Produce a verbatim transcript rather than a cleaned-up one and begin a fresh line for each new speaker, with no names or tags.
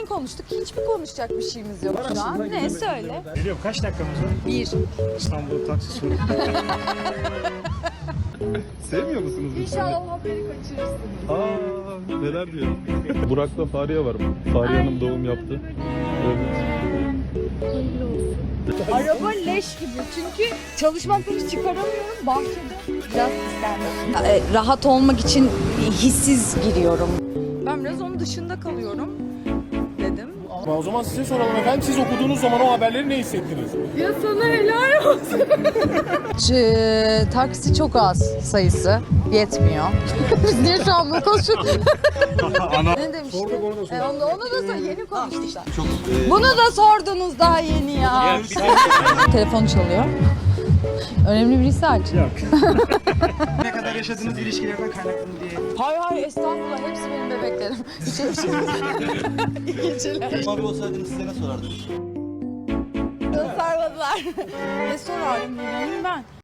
dün konuştuk. Hiçbir konuşacak bir şeyimiz yok şu an. Ne söyle?
Biliyorum, kaç dakikamız var?
Bir.
İstanbul taksi soru.
Sevmiyor musunuz?
İnşallah haberi kaçırırsınız.
Aa, neler diyor? Burak'la Fariye var. Fariye Hanım doğum yaptı. Evet.
Araba leş gibi çünkü çalışmaktan hiç çıkaramıyorum bahçede. Biraz isterdim. E, rahat olmak için hissiz giriyorum. Ben biraz onun dışında kalıyorum dedim.
O zaman size soralım efendim. Siz okuduğunuz zaman o haberleri ne hissettiniz?
Ya sana helal olsun. Ç- taksi çok az sayısı. Yetmiyor. Biz niye şu an bunu konuşuyoruz? Ne demiştin?
Sorduk, onu da sorduk.
E, onu, onu da sor, yeni konuştuk. Bunu da sordunuz daha yeni ya. Telefon çalıyor. Önemli birisi aç.
Yok. Ne kadar yaşadığınız ilişkilerden kaynaklı diye.
Hay hay estağfurullah hepsi benim bebeklerim. Hiç öyle şey yok. İyi geceler.
Abi olsaydınız size ne sorardınız?
Sarmadılar. Ne sorarım bilmiyorum ben.